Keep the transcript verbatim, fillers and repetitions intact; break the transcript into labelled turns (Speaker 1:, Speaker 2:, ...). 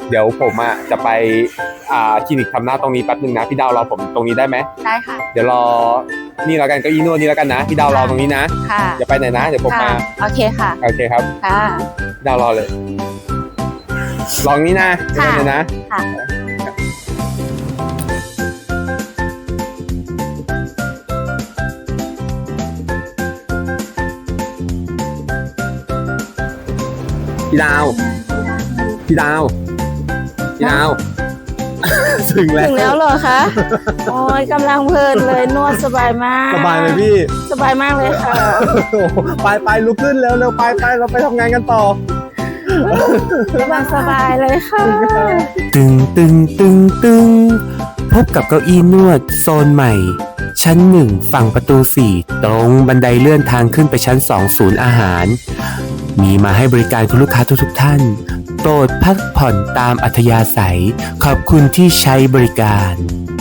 Speaker 1: เดี๋ยวผมอ่ะจะไปอ่าคลินิกทำหน้าตรงนี้แป๊บนึงนะพี่ดาวรอผมตรงนี้ได้ไหม
Speaker 2: ได้ค่ะ
Speaker 1: เดี๋ยวรอนี่แล้วกันเก้าอี้นวดนี่แล้วกันนะพี่ดาวรอตรงนี้นะ
Speaker 2: ค่ะ
Speaker 1: อย่าไปไหนนะเดี๋ยวผม
Speaker 2: ค่ะ
Speaker 1: มา
Speaker 2: โอเคค่ะ
Speaker 1: โอเคครับ
Speaker 2: ค่ะ
Speaker 1: พี่ดาวรอเลยลองนี้นะเดี๋ยวกันเลยนะ
Speaker 2: ค่ะ
Speaker 1: พี่ดาวพี่ดาวพี่ดาว ถึงแล้
Speaker 2: ถึ
Speaker 1: ว
Speaker 2: งแล้วเหรอคะ โอ้ยกำลังเพลินเลยนวดสบายมาก
Speaker 1: สบายไหมพี่
Speaker 2: สบายมากเลยค่ะ
Speaker 1: ไปไปลุกขึ้นเร็วเร็วไปไปเราไปทำงานกันต่อก
Speaker 2: ำลังสบายเลยค่ะ
Speaker 3: ตึงตึงตึงตึงพบกับเก้าอี้นวดโซนใหม่ ชั้นหนึ่งฝั่งประตูสี่ตรงบันไดเลื่อนทางขึ้นไปชั้นสองศูนย์อาหาร มีมาให้บริการคุณลูกค้าทุกๆท่าน โปรดพักผ่อนตามอัธยาศัย ขอบคุณที่ใช้บริการ